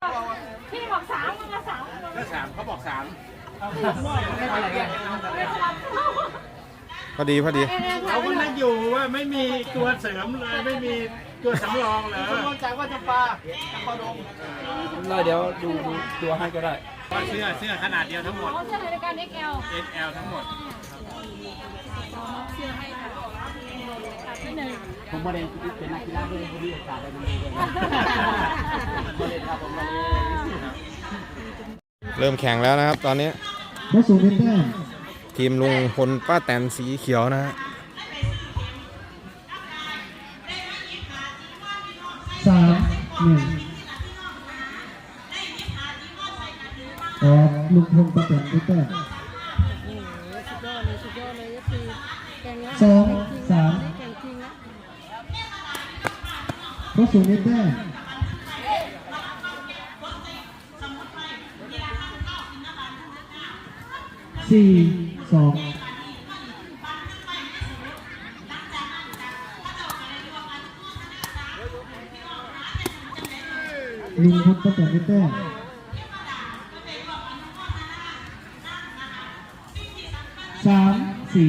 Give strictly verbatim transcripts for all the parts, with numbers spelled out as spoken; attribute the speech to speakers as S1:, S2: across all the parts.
S1: พี่บอกสามมันก็สาม
S2: ก็สามเขาบอกสาม
S3: พอดีพอดี
S2: เขาก็นั่งอยู่ว่าไม่มีตัวเสริมเลยไม่มีตัวสำรองเหรอสำรองจากว่าจำปาจำปาดง
S4: เลยเดี๋ยวดูตัวให้ก็ได้
S2: เสื้อเสื้อขนาดเดียวทั้งหมด
S1: เสื้อในการ เอ็กซ์ แอล
S2: เอ็กซ์ แอล ทั้งหมด
S1: เสื้อให้ค่ะที่หนึ่ง
S4: ผมมาเรียนเป็นนักกีฬาด้วยพอดีโอกาสได้มาเรียนมาเรียนครับผมมาเรี
S3: ยนเริ่มแข่งแล้วนะครับตอนนี้
S5: พระสูงเป็นแต้ม
S3: ทีมลุงพลป้าแตนสีเขียวนะฮะ
S5: สามหนึ่งออกลุงพลป้าแตนเป็นแต้มสองสามพระสูงเป็นแต้มสี่สองลุงพลป้าแตนเป็นแต้มสามสี่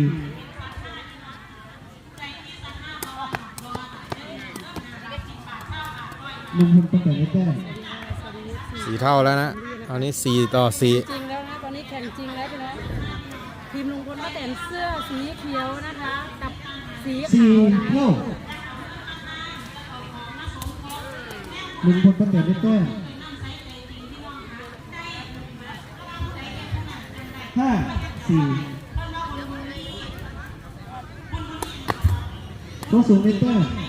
S5: ลุงพลป้าแตนเป็นแต้ม
S3: สี่เท่าแล้วนะตอนนี้สี่ต่อสี่
S1: จริงแล้วนะตอนนี้แข่งจริงแล้วพี่น้องทีมลุงพลป้าแตนเสื้อสีเขียวนะคะกับสีขาว
S5: สี่เท่าลุงพลป้าแตนเป็นแต้มห้าสี่ตัวสูงเป็นแต้ม